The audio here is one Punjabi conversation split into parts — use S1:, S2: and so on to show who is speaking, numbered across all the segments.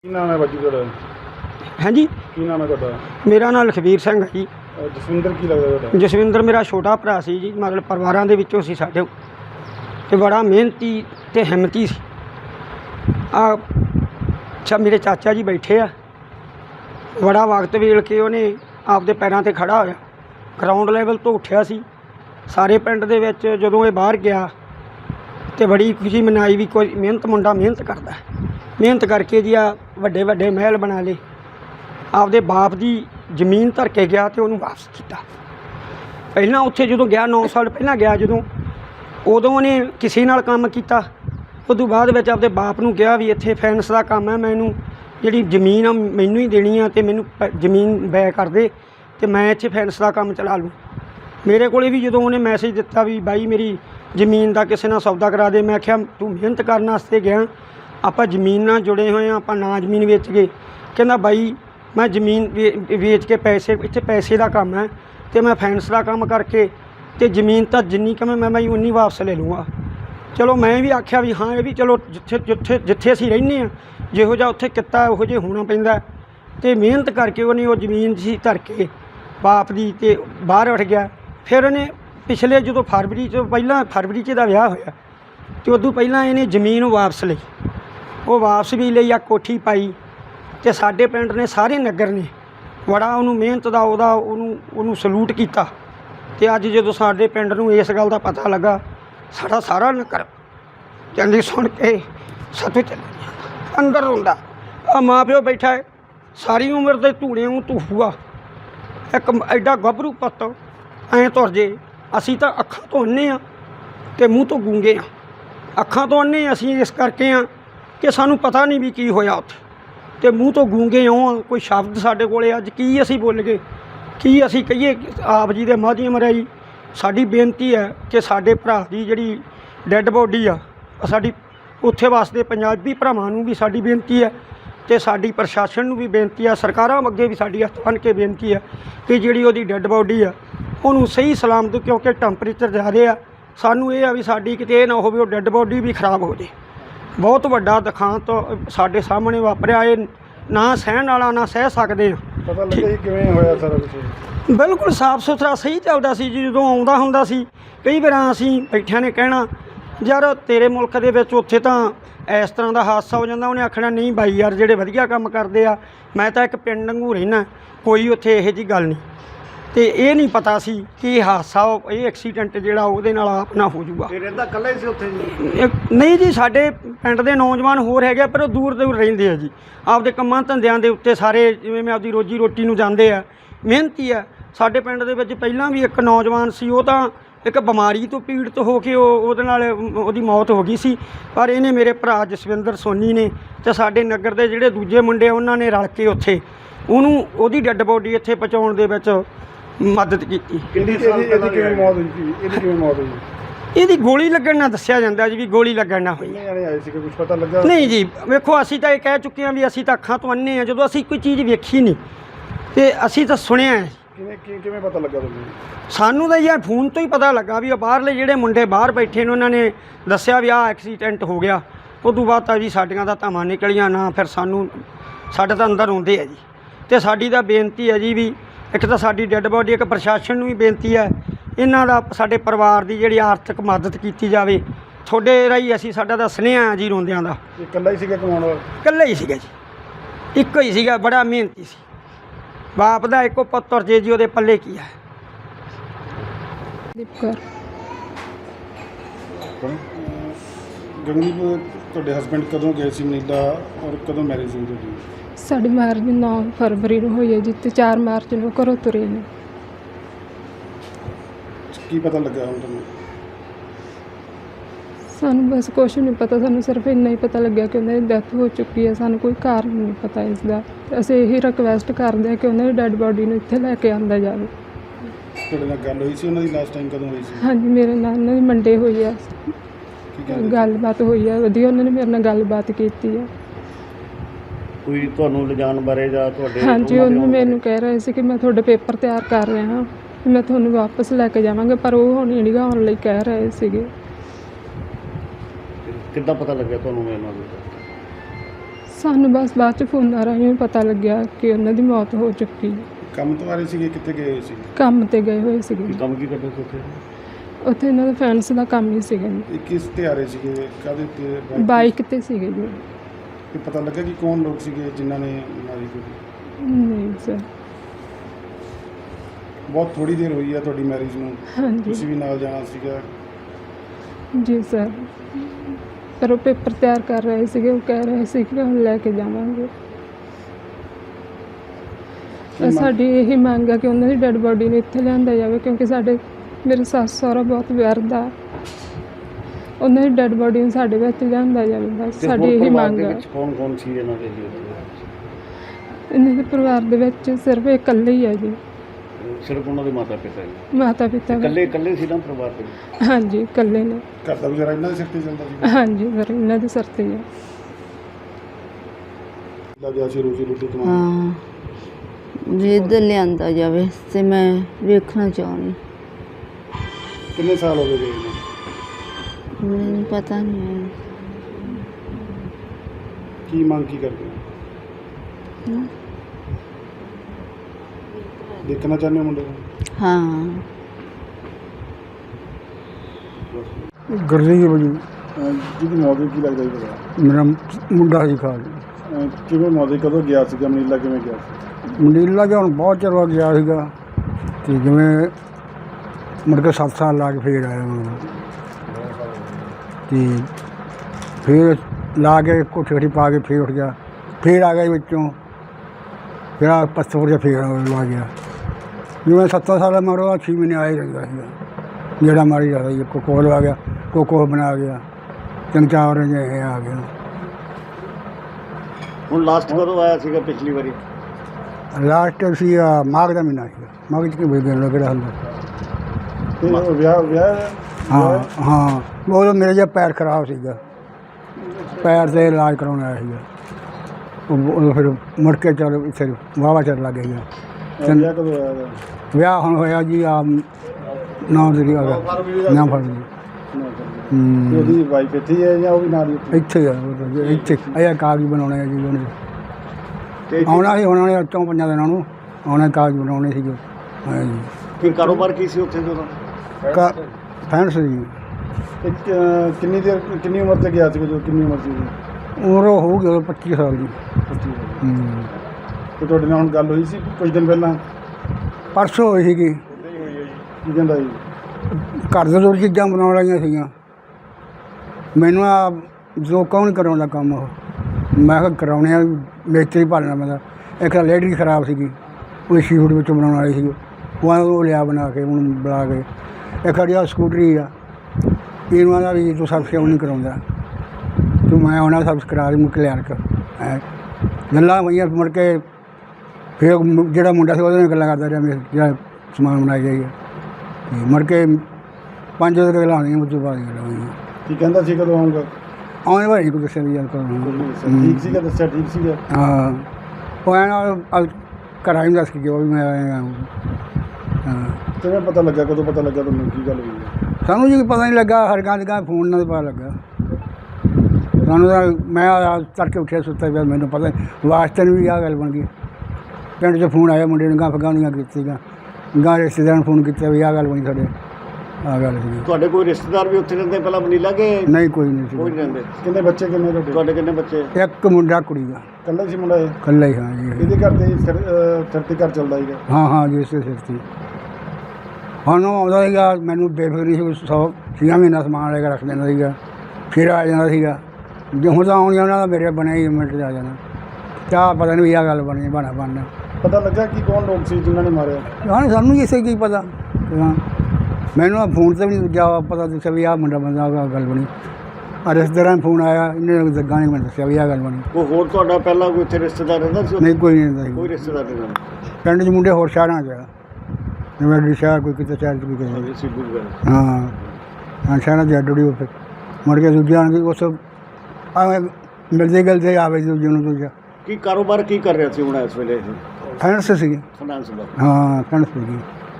S1: नाम है बाजू ਤੁਹਾਡਾ?
S2: हाँ जी,
S1: ਕੀ ਨਾਮ ਹੈ ਤੁਹਾਡਾ?
S2: मेरा नाम लखबीर सिंह है जी।
S1: ਜਸਵਿੰਦਰ ਕੀ ਲੱਗਦਾ ਤੁਹਾਡਾ?
S2: जसविंदर मेरा छोटा भरा सी जी, मतलब परिवारों के विचों सी साडे ते बड़ा मेहनती ते हिम्मती सी। अच्छा मेरे चाचा जी बैठे आ, बड़ा वक्त वेल के उन्हें आपदे पैरों ते खड़ा होया, ग्राउंड लैवल तो उठिया सी। सारे पिंड दे विच जदों ये बाहर गया तो बड़ी खुशी मनाई भी कोई मेहनत मुंडा मेहनत करता है, मेहनत करके जी आ वड्डे वड्डे महल बना ले। आपदे बाप की जमीन धर के गया तो उन्होंने वापस किया। पहला उत्थे जो गया 9 साल पहला गया जो उदों उन्हें किसी नाल काम किया। उदों बाद विच आपदे बाप नूं कहा भी इत्थे फाइनैंस का काम है, मैनू जिहड़ी जमीन आ मैनू ही देनी आ ते मैनू जमीन बै कर दे ते मैं इत्थे फाइनैंस का काम चला लूँ। मेरे को भी जो उन्हें मैसेज दिता भी बाई मेरी जमीन का किसी नाल सौदा करा दे, मैं आख्या तू मेहनत करने वास्ते गया, आपां जमीन नाल जुड़े हुए हैं, आपां ना जमीन वेच गए। कहंदा बाई मैं जमीन वेच के पैसे इत्थे पैसे का काम है तो मैं फाइनैंस का काम करके तो जमीन तो जिन्नी कम मैं भाई उन्नी वापस ले लूँगा। चलो मैं भी आख्या भी हाँ ये भी चलो जिथे जिथे जिथे असीं रहिंदे आ जिहो जिहा उत्थे किता उहो जिहा होना पैंदा ते मेहनत करके उन्हें वो जमीन सी धर के बाप दी ते बाहर उठ गया। फिर उन्हें पिछले जो फरवरी पहला फरवरी च विआह होया तो उदों पहला इन्हें जमीन वापस लई, वो वापस भी लई आ कोठी पाई तो साडे पिंड ने सारे नगर ने बड़ा उन्होंने मेहनत का उन्होंने सलूट किया। तो अज जो साडे पिंड नूं इस गल का पता लगा साडा सारा नगर चंदी सुन के सत्तू चले अंदर रोंदा। माँ प्यो बैठा है सारी उम्र के धूड़े धूफूआ एक एडा गभरू पुत्त ऐ तुर जे। असीं तां अखां तो अन्ने आ ते मूँह तो गूंगे आ। अखां तो अन्ने असीं इस करके आ कि सानूं पता नहीं भी की होया उत्थे ते मूँह तो गूंगे हों कोई शब्द साडे कोले अज की असीं बोल गए की असीं कहिए। आप जी दे माध्यम राही साडी बेनती है कि साडे भरा दी जिहड़ी डैड बॉडी आ साडी उत्थे वास्ते पंजाबी भरावां नूं भी साडी बेनती है ते साडी प्रशासन नूं भी बेनती है, सरकारां अगे भी साडी हत्थ बन के बेनती है कि जिहड़ी उहदी डैड बॉडी आ उहनूं सही सलामत, क्योंकि टैंपरेचर ज़्यादा आ, सानूं इह आ भी साडी किते ना होवे डैड बॉडी भी खराब हो जाए। बहुत वड्डा दुखांत साडे सामने वापरिया, ये ना सहण वाला ना सह सकते हैं।
S1: पता लगा जी किवें होया सारा कुछ?
S2: बिल्कुल साफ सुथरा सही चलदा सी जी। जदों आउंदा हुंदा सी कई बार असीं बैठिਆਂ ने कहना यार तेरे मुल्क दे विच उत्थे तां इस तरह का हादसा हो जाता। उन्हें आखना नहीं बाई यार जिहड़े वधिया काम करते आ, मैं तां एक पिंड वांगू रहना, कोई उत्थे इहो जी गल नहीं। तो ये नहीं पता सी कि हादसा ये एक्सीडेंट जिहड़ा उहदे नाल अपना हो जूगा।
S1: रहिंदा कल्ला ही सी उत्थे जी?
S2: नहीं जी, साडे पिंड दे नौजवान होर हैगे पर दूर दूर रहिंदे आ जी, आपदे कंमां धंदिआं दे उत्ते सारे जिवें मैं आपदी रोजी रोटी नूं जांदे आ, मेहनती आ। साडे पिंड दे विच पहिलां भी एक नौजवान सी, वो तां एक बीमारी तो पीड़ित हो के ਉਹਦੇ ਨਾਲ ਉਹਦੀ मौत हो गई सी, पर ਇਹਨੇ ਮੇਰੇ ਭਰਾ ਜਸਵਿੰਦਰ ਸੋਨੀ ਨੇ ਤੇ ਸਾਡੇ ਨਗਰ ਦੇ ਜਿਹੜੇ ਦੂਜੇ ਮੁੰਡੇ ਉਹਨਾਂ ਨੇ ਰਲ ਕੇ ਉੱਥੇ ਉਹਨੂੰ ਉਹਦੀ ਡੈੱਡ ਬੋਡੀ ਇੱਥੇ ਪਹੁੰਚਾਉਣ ਦੇ ਵਿੱਚ ਮਦਦ ਕੀਤੀ।
S1: ਕਿੰਨੀ ਸਾਲ ਪਹਿਲਾਂ ਕਿਵੇਂ ਮੌਤ ਹੋਈ ਸੀ? ਇਹਦੀ ਕਿਵੇਂ ਮੌਤ ਹੋਈ?
S2: ਇਹਦੀ ਗੋਲੀ ਲੱਗਣ ਨਾਲ ਦੱਸਿਆ ਜਾਂਦਾ ਜੀ, ਵੀ ਗੋਲੀ ਲੱਗਣ ਨਾਲ ਹੋਈ।
S1: ਕਿੰਨੇ ਜਣੇ ਆਏ ਸੀ, ਕੁਝ ਪਤਾ ਲੱਗਾ?
S2: ਨਹੀਂ ਜੀ, ਵੇਖੋ ਅਸੀਂ ਤਾਂ ਇਹ ਕਹਿ ਚੁੱਕੇ ਹਾਂ ਵੀ ਅਸੀਂ ਤਾਂ ਅੱਖਾਂ ਤੋਂ ਅੰਨੇ ਆ, ਜਦੋਂ ਅਸੀਂ ਕੋਈ ਚੀਜ਼ ਵੇਖੀ ਨਹੀਂ ਤੇ ਅਸੀਂ ਤਾਂ ਸੁਣਿਆ ਹੈ।
S1: ਕਿਵੇਂ ਪਤਾ ਲੱਗਾ ਤੁਹਾਨੂੰ?
S2: ਸਾਨੂੰ ਤਾਂ ਯਾਰ ਫੋਨ ਤੋਂ ਹੀ ਪਤਾ ਲੱਗਾ ਵੀ ਬਾਹਰਲੇ ਜਿਹੜੇ ਮੁੰਡੇ ਬਾਹਰ ਬੈਠੇ ਨੇ ਉਹਨਾਂ ਨੇ ਦੱਸਿਆ ਵੀ ਆਹ ਐਕਸੀਡੈਂਟ ਹੋ ਗਿਆ। ਉਦੋਂ ਬਾਅਦ ਤਾਂ ਜੀ ਸਾਡੀਆਂ ਤਾਂ ਧਾਵਾਂ ਨਿਕਲੀਆਂ ਨਾ, ਫਿਰ ਸਾਨੂੰ ਸਾਡੇ ਤਾਂ ਅੰਦਰ ਆਉਂਦੇ ਆ ਜੀ। ਅਤੇ ਸਾਡੀ ਤਾਂ ਬੇਨਤੀ ਹੈ ਜੀ ਵੀ ਇੱਕ ਤਾਂ ਸਾਡੀ ਡੈੱਡ ਬੋਡੀ, ਇੱਕ ਪ੍ਰਸ਼ਾਸਨ ਨੂੰ ਵੀ ਬੇਨਤੀ ਹੈ ਇਹਨਾਂ ਦਾ ਸਾਡੇ ਪਰਿਵਾਰ ਦੀ ਜਿਹੜੀ ਆਰਥਿਕ ਮਦਦ ਕੀਤੀ ਜਾਵੇ। ਤੁਹਾਡੇ ਰਾਹੀਂ ਅਸੀਂ ਸਾਡਾ ਤਾਂ ਸੁਨੇਹਾ ਜੀ ਰੋਂਦਿਆਂ ਦਾ।
S1: ਇਕੱਲਾ ਹੀ ਸੀਗਾ ਕਮਾਉਣ ਵਾਲਾ?
S2: ਇਕੱਲਾ ਹੀ ਸੀਗਾ ਜੀ, ਇੱਕੋ ਹੀ ਸੀਗਾ, ਬੜਾ ਮਿਹਨਤੀ ਸੀ। ਬਾਪ ਦਾ ਇੱਕੋ ਪੁੱਤਰ ਜੇ ਜੀ ਉਹਦੇ ਪੱਲੇ ਕੀ ਹੈ।
S1: ਗਗਨਦੀਪ, ਤੁਹਾਡੇ ਹਸਬੈਂਡ ਕਦੋਂ ਗਏ ਸੀ ਮਨੀਲਾ ਔਰ ਕਦੋਂ ਮੈਰਿਜ ਹੋਈ ਤੁਹਾਡੀ?
S3: ਸਾਡੀ ਮੈਰਿਜ 9 ਫਰਵਰੀ ਨੂੰ ਹੋਈ ਹੈ ਜੀ ਤੇ 4 ਮਾਰਚ ਨੂੰ ਘਰੋਂ ਤੁਰੇ ਨੇ।
S1: ਕੀ ਪਤਾ ਲੱਗਾ ਹੁਣ ਤੁਹਾਨੂੰ?
S3: ਸਾਨੂੰ ਬਸ ਕੁਛ ਨਹੀਂ ਪਤਾ, ਸਾਨੂੰ ਸਿਰਫ ਇੰਨਾ ਹੀ ਪਤਾ ਲੱਗਿਆ ਕਿ ਉਹਨਾਂ ਦੀ ਡੈਥ ਹੋ ਚੁੱਕੀ ਹੈ। ਸਾਨੂੰ ਕੋਈ ਕਾਰਨ ਨਹੀਂ ਪਤਾ ਇਸ ਦਾ। ਅਸੀਂ ਇਹੀ ਰਿਕਵੈਸਟ ਕਰਦੇ ਹਾਂ ਕਿ ਉਹਨਾਂ ਦੀ ਡੈਡ ਬੋਡੀ ਨੂੰ ਇੱਥੇ ਲੈ ਕੇ ਆਂਦਾ ਜਾਵੇ।
S1: ਤੁਹਾਡੇ ਨਾਲ ਗੱਲ ਹੋਈ ਸੀ ਉਹਨਾਂ ਦੀ ਲਾਸਟ ਟਾਈਮ ਕਦੋਂ ਹੋਈ ਸੀ?
S3: ਹਾਂਜੀ, ਮੇਰੇ ਨਾਲ ਉਹਨਾਂ ਦੀ ਮੰਡੇ ਹੋਈ ਆ, ਗੱਲਬਾਤ ਹੋਈ ਆ ਵਧੀਆ, ਉਹਨਾਂ ਨੇ ਮੇਰੇ ਨਾਲ ਗੱਲਬਾਤ ਕੀਤੀ ਆ।
S1: ਕੋਈ ਤੁਹਾਨੂੰ ਲਿਜਾਣ ਬਾਰੇ ਜਾਂ ਤੁਹਾਡੇ?
S3: ਹਾਂਜੀ, ਉਹਨੂੰ ਮੈਨੂੰ ਕਹਿ ਰਹੇ ਸੀ ਕਿ ਮੈਂ ਤੁਹਾਡੇ ਪੇਪਰ ਤਿਆਰ ਕਰ ਰਿਹਾ ਹਾਂ, ਮੈਂ ਤੁਹਾਨੂੰ ਵਾਪਸ ਲੈ ਕੇ ਜਾਵਾਂਗਾ, ਪਰ ਉਹ ਹੁਣ ਇੰਡੀਆ ਆਉਣ ਲਈ ਕਹਿ ਰਹੇ ਸੀਗੇ।
S1: ਕਿੱਦਾਂ ਪਤਾ ਲੱਗਿਆ ਤੁਹਾਨੂੰ ਮੇਰੇ ਨਾਲ?
S3: ਸਾਨੂੰ ਬਸ ਬਾਅਦ ਚ ਫੋਨਾਂ ਰਾਹੀਂ ਪਤਾ ਲੱਗਿਆ ਕਿ ਉਹਨਾਂ ਦੀ ਮੌਤ ਹੋ ਚੁੱਕੀ ਹੈ।
S1: ਕੰਮ ਤੋਂ ਆ ਰਹੇ ਸੀਗੇ, ਕਿੱਥੇ ਗਏ ਹੋਏ ਸੀ?
S3: ਕੰਮ ਤੇ ਗਏ ਹੋਏ ਸੀਗੇ।
S1: ਕੰਮ ਕੀ ਕਰਦੇ ਸੀ ਉੱਥੇ?
S3: ਉੱਥੇ ਇਹਨਾਂ ਦਾ ਫੈਂਸ ਦਾ ਕੰਮ ਹੀ ਸੀਗਾ ਜੀ।
S1: ਇਹ ਕਿਸ ਤੇ ਆ ਰਹੇ ਸੀਗੇ, ਕਾਹਦੇ ਤੇ?
S3: ਬਾਈਕ ਤੇ ਸੀਗੇ ਜੀ।
S1: ਤੇ ਪਤਾ ਲੱਗਾ ਕਿ ਕੌਣ ਲੋਕ ਸੀਗੇ ਜਿਨ੍ਹਾਂ ਨੇ ਮਾਰੀ ਗੋਲੀ?
S3: ਨਹੀਂ ਸਰ।
S1: ਬਹੁਤ ਥੋੜੀ ਦੇਰ ਹੋਈ ਹੈ ਤੁਹਾਡੀ ਮੈਰਿਜ ਨੂੰ,
S3: ਹਾਂਜੀ
S1: ਤੁਸੀਂ ਵੀ ਨਾਲ ਜਾਣਾ ਸੀਗਾ।
S3: ਜੀ ਸਰ, ਪਰ ਉਹ ਪੇਪਰ ਤਿਆਰ ਕਰ ਰਹੇ ਸੀਗੇ, ਉਹ ਕਹਿ ਰਹੇ ਸੀ ਕਿ ਹੁਣ ਲੈ ਕੇ ਜਾਵਾਂਗੇ। ਸਾਡੀ ਇਹੀ ਮੰਗ ਹੈ ਕਿ ਉਹਨਾਂ ਦੀ ਡੈੱਡ ਬੋਡੀ ਨੂੰ ਇੱਥੇ ਲਿਆਂਦਾ ਜਾਵੇ, ਕਿਉਂਕਿ ਮੇਰੇ ਸੱਸ ਸਹੁਰਾ ਬਹੁਤ ਵਿਅਰਥ ਆ। ਉਹਨਾਂ ਦੀ ਡੈੱਡ ਬੋਡੀ ਨੂੰ ਸਾਡੇ ਵਿੱਚ ਲਿਆਂਦਾ ਜਾਵੇ, ਬਸ ਸਾਡੀ ਇਹੀ ਮੰਗ ਹੈ।
S1: ਕੌਣ ਕੌਣ ਸੀ ਇਹਨਾਂ ਦੇ?
S3: ਇਹਨਾਂ ਦੇ ਪਰਿਵਾਰ ਦੇ ਵਿੱਚ ਸਿਰਫ ਇਹ ਇਕੱਲੇ ਹੀ ਹੈ ਜੀ।
S1: ਸਿਰਫ ਉਹਨਾਂ ਦੇ ਮਾਤਾ ਪਿਤਾ ਜੀ?
S3: ਮਾਤਾ ਪਿਤਾ
S1: ਇਕੱਲੇ ਸੀ ਨਾ ਪਰਿਵਾਰ ਦੇ?
S3: ਹਾਂਜੀ ਇਕੱਲੇ ਨੇ।
S1: ਘਰ ਦਾ ਗੁਜ਼ਾਰਾ ਇਹਨਾਂ ਦੇ ਸਿਰ ਤੇ ਚੱਲਦਾ ਸੀ?
S3: ਹਾਂਜੀ ਸਰ, ਇਹਨਾਂ ਦੇ ਸਿਰ ਤੇ ਹੀ ਹੈ।
S1: ਲੱਗਿਆ ਸੀ ਰੋਜੀ ਰੋਟੀ ਕਮਾਉਣ।
S4: ਹਾਂ ਜੇ ਇੱਧਰ ਲਿਆਂਦਾ ਜਾਵੇ ਤੇ ਮੈਂ ਵੇਖਣਾ ਚਾਹੁੰਦੀ।
S1: ਕਿੰਨੇ ਸਾਲ ਹੋ ਗਏ ਗਏ ਨੂੰ?
S4: ਮੈਨੂੰ ਪਤਾ ਨਹੀਂ ਹੈ।
S1: ਕੀ ਮੰਗ ਕੀ ਕਰਦੇ ਹੋ?
S4: ਹਮ,
S1: ਦੇਖਣਾ ਚਾਹੁੰਦੇ ਹੋ ਮੁੰਡੇ ਨੂੰ?
S4: ਹਾਂ
S2: ਗੁਰਜੀਤ ਵਜੂ
S1: ਜਿਹਦੀ ਮੌਤ ਹੋਈ, ਕੀ ਲੱਗਦਾ ਜੀ ਪਤਾ?
S2: ਮੇਰਾ ਮੁੰਡਾ ਸੀ ਖਾਲ
S1: ਕਿਵੇਂ ਮੌਤ ਹੋਈ, ਕਦੋਂ ਗਿਆ ਸੀਗਾ ਮਨੀਲਾ, ਕਿਵੇਂ ਗਿਆ ਸੀ?
S2: ਮੰਡੀਲਾ ਗਿਆ, ਹੁਣ ਬਹੁਤ ਚਿਰ ਬਾਅਦ ਗਿਆ ਸੀਗਾ ਤੇ ਜਿਵੇਂ ਮੁੜ ਕੇ 7 ਸਾਲ ਲਾ ਕੇ ਫੇਰ ਆਇਆ ਮੈਂ ਤੇ ਫਿਰ ਲਾ ਕੇ ਕੋਠੀ ਪਾ ਕੇ ਫੇਰ ਉੱਠ ਗਿਆ, ਫੇਰ ਆ ਗਿਆ ਵਿੱਚੋਂ, ਫਿਰ ਆ ਪਸਤੌਰ ਜਿਹਾ ਫੇਰ ਲਾ ਗਿਆ। ਜਿਵੇਂ 7 ਸਾਲ ਮਰੋ 6 ਮਹੀਨੇ ਆਏ ਰਹਿੰਦਾ ਸੀਗਾ, ਜਿਹੜਾ ਮਾਰੀ ਜਾਂਦਾ ਸੀ। ਕੋਲ ਆ ਗਿਆ, ਕੋਕੋ ਬਣਾ ਗਿਆ, ਚਮਚਾਵਰ ਜਿਹੇ ਆ ਗਿਆ।
S5: ਹੁਣ ਲਾਸਟ ਕਦੋਂ ਆਇਆ ਸੀਗਾ ਪਿਛਲੀ ਵਾਰੀ?
S2: ਲਾਸਟ ਸੀ ਮਾਘ ਦਾ ਮਹੀਨਾ ਸੀਗਾ। ਮਾਘ 'ਚ ਕੀ ਬਣ ਕਿਹੜਾ ਹੁੰਦਾ?
S1: ਤੇ ਵਿਆਹ
S2: ਹਾਂ ਉਹ ਮੇਰੇ ਜਿਹਾ ਪੈਰ ਖਰਾਬ ਸੀਗਾ, ਪੈਰ 'ਤੇ ਇਲਾਜ ਕਰਾਉਣ ਆਇਆ ਸੀਗਾ। ਉਹ ਫਿਰ ਮੁੜ ਕੇ ਚੱਲ ਇੱਥੇ ਵਾਹਵਾ ਚਿਰ ਲੱਗ ਗਿਆ।
S1: ਵਿਆਹ ਕਦੋਂ ਹੋਇਆ ਇਹਦਾ?
S2: ਵਿਆਹ ਹੁਣ ਹੋਇਆ ਜੀ ਆ 9 ਤਰੀਕ ਆ ਗਿਆ, 9 ਫਰਵਰੀ।
S1: ਤੇ ਉਹਦੀ ਵਾਈਫ ਇੱਥੇ ਹੀ ਹੈ ਜਾਂ ਉਹ ਵੀ ਨਾਲ ਹੀ ਉੱਥੇ?
S2: ਇੱਥੇ ਆ ਉਹ ਤਾਂ ਇੱਥੇ ਇਹ ਕਾਗਜ਼ ਬਣਾਉਣੇ ਆ ਜੀ ਉਹਨੇ।
S5: ਤੇ
S2: ਆਉਣਾ ਸੀ ਉਹਨਾਂ ਨੇ 4-5 ਦਿਨਾਂ ਨੂੰ, ਆਉਣਾ ਕਾਗਜ਼ ਬਣਾਉਣੇ ਸੀਗੇ। ਹਾਂ ਜੀ
S5: ਫਿਰ ਕਾਰੋਬਾਰ ਕੀ ਸੀ ਉੱਥੇ ਜਦੋਂ?
S2: ਫੈਂਸ ਜੀ।
S1: ਤੇ ਕਿੰਨੀ ਉਮਰ ਤੇ ਗਿਆ ਸੀਗਾ ਜੋ? ਕਿੰਨੀ ਉਮਰ ਸੀ?
S2: ਉਮਰ ਹੋਊਗੀ ਉਦੋਂ 25 ਸਾਲ ਦੀ।
S1: 25 ਸਾਲ। ਤੇ ਤੁਹਾਡੇ ਨਾਲ ਹੁਣ ਗੱਲ ਹੋਈ ਸੀ ਕੁਝ ਦਿਨ ਪਹਿਲਾਂ?
S2: ਪਰਸੋਂ ਹੋਈ ਸੀਗੀ।
S1: ਕੀ ਕਹਿੰਦਾ ਜੀ?
S2: ਘਰ ਦੇ ਦੋ ਚੀਜ਼ਾਂ ਬਣਾਉਣ ਵਾਲੀਆਂ ਸੀਗੀਆਂ। ਮੈਨੂੰ ਆ ਜੋ ਕੌਣ ਕਰਾਉਂਦਾ ਕੰਮ ਉਹ, ਮੈਂ ਕਿਹਾ ਕਰਾਉਣੇ ਆ, ਮਿਸਤਰੀ ਭਾਲਣਾ ਮੈਂ ਤਾਂ। ਇੱਕ ਤਾਂ ਲੈਟਰੀ ਖਰਾਬ ਸੀਗੀ, ਉਹ ਸ਼ੀਟ ਵਿੱਚੋਂ ਬਣਾਉਣ ਵਾਲੀ ਸੀਗੀ, ਉਹ ਲਿਆ ਬਣਾ ਕੇ ਉਹਨੂੰ ਬੁਲਾ ਕੇ। ਇੱਕ ਜਿਹੜੀ ਸਕੂਟਰੀ ਆ, ਇਹਨੂੰ ਦਾ ਵੀ ਤੂੰ ਸਰਵਿਸ ਕਿਉਂ ਨਹੀਂ ਕਰਾਉਂਦਾ? ਤੂੰ ਮੈਂ ਉਹਨਾਂ ਸਰਵਿਸ ਕਰਾ ਦੀ ਮੁੱਕ ਲਿਆਣ ਕੇ ਗੱਲਾਂ ਹੋਈਆਂ। ਮੁੜ ਕੇ ਫਿਰ ਜਿਹੜਾ ਮੁੰਡਾ ਸੀ ਉਹਦੇ ਨਾਲ ਗੱਲਾਂ ਕਰਦਾ ਰਿਹਾ, ਜਿਹੜਾ ਸਮਾਨ ਬਣਾਇਆ ਜਾਈਏ। ਅਤੇ ਮੁੜ ਕੇ 5 ਗੱਲਾਂ ਹੋਈਆਂ, ਉਸ ਤੋਂ ਬਾਅਦ ਗੱਲਾਂ ਹੋਈਆਂ।
S1: ਕੀ ਕਹਿੰਦਾ ਸੀ ਕਦੋਂ ਆਊਂਗਾ?
S2: ਆਉਣ ਵਾਲੀ ਨਹੀਂ ਕੋਈ ਦੱਸਿਆ ਵੀ ਯਾਰ ਕਦੋਂ।
S1: ਠੀਕ ਸੀਗਾ? ਦੱਸਿਆ ਠੀਕ ਸੀਗਾ?
S2: ਹਾਂ ਉਹ ਐਂ ਨਾਲ ਘਰਾਂ ਹੀ ਦੱਸ ਕੇ ਗਿਆ ਵੀ ਮੈਂ ਆਇਆ। ਹਾਂ
S1: ਕਿਵੇਂ ਪਤਾ ਲੱਗਾ, ਕਦੋਂ ਪਤਾ ਲੱਗਾ ਤੁਹਾਨੂੰ, ਕੀ ਗੱਲ ਹੋਈ ਹੈ?
S2: ਸਾਨੂੰ ਜੀ ਪਤਾ ਨਹੀਂ ਲੱਗਾ, ਹਰਕਾਂ ਦੀ ਫੋਨ ਨਾਲ ਪਤਾ ਲੱਗਾ ਸਾਨੂੰ ਤਾਂ। ਮੈਂ ਤੜਕੇ ਉੱਠਿਆ ਸੁੱਤਾ ਪਿਆ, ਮੈਨੂੰ ਪਤਾ ਵਾਸਤੇ ਨੂੰ ਵੀ ਆਹ ਗੱਲ ਬਣ ਗਈ। ਪਿੰਡ 'ਚ ਫੋਨ ਆਇਆ ਮੁੰਡੇ ਨੂੰ, ਗਾਂ ਫਗਾਉਣੀਆਂ ਕੀਤੀਆਂ, ਗਾਂ ਰਿਸ਼ਤੇਦਾਰਾਂ ਨੂੰ ਫੋਨ ਕੀਤਾ ਵੀ ਆਹ ਗੱਲ ਬਣੀ ਸਾਡੇ, ਆਹ ਗੱਲ ਸੀ।
S5: ਤੁਹਾਡੇ ਕੋਈ ਰਿਸ਼ਤੇਦਾਰ ਵੀ ਉੱਥੇ ਰਹਿੰਦੇ ਪਹਿਲਾਂ ਮਨੀਲਾ ਕੇ?
S2: ਨਹੀਂ ਕੋਈ ਨਹੀਂ
S5: ਕੋਈ
S2: ਸੀ।
S5: ਨਹੀਂ ਰਹਿੰਦੇ।
S1: ਕਿੰਨੇ ਬੱਚੇ ਕਿੰਨੇ ਤੁਹਾਡੇ?
S5: ਤੁਹਾਡੇ ਕਿੰਨੇ ਬੱਚੇ?
S2: ਇੱਕ ਮੁੰਡਾ ਕੁੜੀ ਦਾ,
S1: ਇਕੱਲਾ ਸੀ ਮੁੰਡਾ ਇਹ?
S2: ਇਕੱਲਾ ਹੀ। ਹਾਂ ਜੀ
S1: ਇਹਦੇ ਘਰ ਤੇ ਸਿਰ ਤੇ ਘਰ ਚੱਲਦਾ ਸੀਗਾ?
S2: ਹਾਂ ਜੀ ਇਸੇ ਸਿਰ 'ਤੇ ਹੁਣ ਉਹ ਆਉਂਦਾ ਸੀਗਾ, ਮੈਨੂੰ ਬੇਫਿਕਰੀ ਸੀ। 6 ਮਹੀਨਾ ਸਮਾਨ ਲੈ ਕੇ ਰੱਖ ਦਿੰਦਾ ਸੀਗਾ, ਫਿਰ ਆ ਜਾਂਦਾ ਸੀਗਾ। ਜੇ ਹੁਣ ਤਾਂ ਆਉਣੀ ਉਹਨਾਂ ਦਾ ਮੇਰੇ ਬਣਿਆ ਹੀ ਮਿੰਟ 'ਚ ਆ ਜਾਣਾ। ਚਾਹ ਪਤਾ ਨਹੀਂ ਵੀ ਆਹ ਗੱਲ ਬਣੀ, ਬਣਨਾ।
S1: ਪਤਾ ਲੱਗਾ ਕਿ ਕੌਣ ਲੋਕ ਸੀ ਜਿਨ੍ਹਾਂ ਨੇ ਮਾਰਿਆ?
S2: ਹਾਂ ਸਾਨੂੰ ਇਸੇ ਕੀ ਪਤਾ। ਹਾਂ ਮੈਨੂੰ ਫੋਨ 'ਤੇ ਵੀ ਨਹੀਂ ਦੂਜਾ ਪਤਾ ਦੱਸਿਆ ਵੀ ਆਹ ਮੁੰਡਾ ਬੰਦਾ, ਆਹ ਗੱਲ ਬਣੀ। ਰਿਸ਼ਤੇਦਾਰਾਂ ਨੂੰ ਫੋਨ ਆਇਆ, ਇਹਨੇ ਜੱਗਾਂ ਨੇ ਮੈਨੂੰ ਦੱਸਿਆ ਵੀ ਆਹ ਗੱਲ ਬਣੀ।
S5: ਕੋਈ ਹੋਰ ਤੁਹਾਡਾ ਪਹਿਲਾਂ ਕੋਈ ਇੱਥੇ ਰਿਸ਼ਤੇਦਾਰ ਰਹਿੰਦਾ ਸੀ?
S2: ਨਹੀਂ ਕੋਈ ਨਹੀਂ ਰਹਿੰਦਾ ਸੀ।
S5: ਕੋਈ ਰਿਸ਼ਤੇਦਾਰ ਨਹੀਂ ਰਹਿੰਦਾ।
S2: ਪਿੰਡ 'ਚ ਮੁੰਡੇ ਹੋਰ ਸ਼ਹਿਰਾਂ 'ਚ ਆ, ਜਿਵੇਂ ਸ਼ਹਿਰ ਕੋਈ ਕਿਤੇ ਸ਼ਹਿਰ 'ਚ ਕੋਈ ਕਿਤੇ।
S5: ਸਿੱਧੂ ਦੀ ਗੱਲ।
S2: ਹਾਂ ਸ਼ਹਿਰਾਂ 'ਚ ਅੱਡ ਉੱਡੀ। ਮੁੜ ਕੇ ਦੂਜਿਆਂ ਨੂੰ ਉਸ ਮਿਲਦੇ ਗਲਦੇ ਆਵੇ ਦੂਜੇ ਨੂੰ ਦੂਜਾ।
S5: ਕੀ ਕਾਰੋਬਾਰ ਕੀ ਕਰ ਰਿਹਾ ਸੀ ਹੁਣ ਇਸ ਵੇਲੇ?
S2: ਫੈਂਸ ਸੀਗੀ।
S5: ਫਾਈਨਾਂਸ ਦਾ?
S2: ਹਾਂ ਫੈਂਸ ਸੀਗੀ।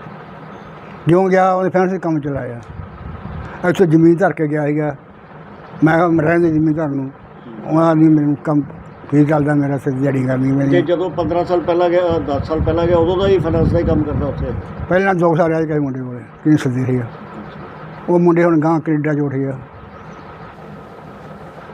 S2: ਜਿਉਂ ਗਿਆ ਉਹਨੇ ਫੈਂਸ ਕੰਮ ਚਲਾਇਆ। ਇੱਥੇ ਜ਼ਮੀਨ ਧਰ ਕੇ ਗਿਆ ਸੀਗਾ। ਮੈਂ ਕਿਹਾ ਰਹਿੰਦੇ ਜ਼ਮੀਨ ਧਰ ਨੂੰ, ਉਹਨਾਂ ਨੇ ਮੈਨੂੰ ਕੰਮ
S6: ਕੀ ਚੱਲਦਾ ਮੇਰਾ ਸਿਰ ਦਿਹਾੜੀ ਕਰਨੀ
S5: ਤੇ
S6: ਮੇਰੀ
S5: ਜਦੋਂ 15 ਸਾਲ ਪਹਿਲਾਂ ਗਿਆ 10 ਸਾਲ ਪਹਿਲਾਂ ਗਿਆ ਉਦੋਂ ਦਾ ਹੀ ਫਾਈਨਾਂਸ ਦਾ ਹੀ ਕੰਮ ਕਰਦਾ ਉੱਥੇ?
S6: ਪਹਿਲਾਂ 2 ਸਾਲ ਰਿਹਾ ਕਿਸੇ ਮੁੰਡੇ ਕੋਲੇ 3 ਸਦੀ ਸੀਗਾ ਉਹ ਮੁੰਡੇ ਹੁਣ ਗਾਂ ਕੈਨੇਡਾ 'ਚ ਉੱਠ ਗਿਆ